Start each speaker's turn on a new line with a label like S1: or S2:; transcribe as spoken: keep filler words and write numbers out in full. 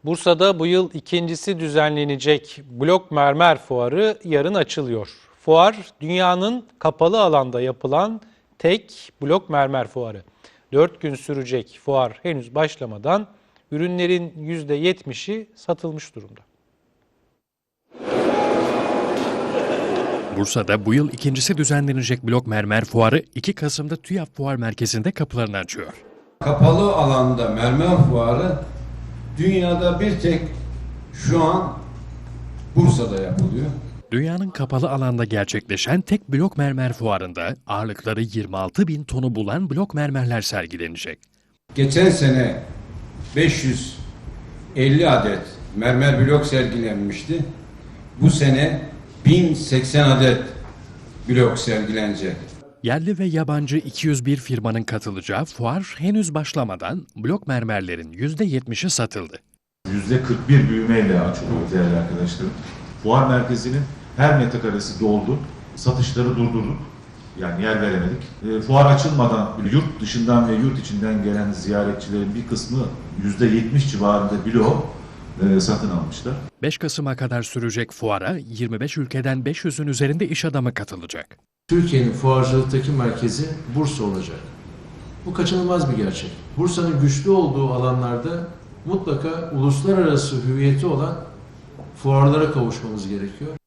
S1: Bursa'da bu yıl ikincisi düzenlenecek Blok Mermer Fuarı yarın açılıyor. Fuar, dünyanın kapalı alanda yapılan tek blok mermer fuarı. Dört gün sürecek fuar henüz başlamadan ürünlerin yüzde yetmişi satılmış durumda.
S2: Bursa'da bu yıl ikincisi düzenlenecek Blok Mermer Fuarı iki Kasım'da TÜYAP Fuar Merkezi'nde kapılarını açıyor.
S3: Kapalı alanda mermer fuarı dünyada bir tek şu an Bursa'da yapılıyor.
S2: Dünyanın kapalı alanda gerçekleşen tek blok mermer fuarında ağırlıkları yirmi altı bin tonu bulan blok mermerler sergilenecek.
S3: Geçen sene beş yüz elli adet mermer blok sergilenmişti. Bu sene bin seksen adet blok sergilenecek.
S2: Yerli ve yabancı iki yüz bir firmanın katılacağı fuar henüz başlamadan blok mermerlerin yüzde yetmişi satıldı.
S4: yüzde kırk bir büyümeyle açılıyor değerli arkadaşlarım. Fuar merkezinin her metrekaresi doldu. Satışları durdurduk. Yani yer veremedik. E, fuar açılmadan yurt dışından ve yurt içinden gelen ziyaretçilerin bir kısmı yüzde yetmiş civarında bloğu e, satın almışlar.
S2: beş Kasım'a kadar sürecek fuara yirmi beş ülkeden beş yüzün üzerinde iş adamı katılacak.
S5: Türkiye'nin fuarcılıktaki merkezi Bursa olacak. Bu kaçınılmaz bir gerçek. Bursa'nın güçlü olduğu alanlarda mutlaka uluslararası hüviyeti olan fuarlara kavuşmamız gerekiyor.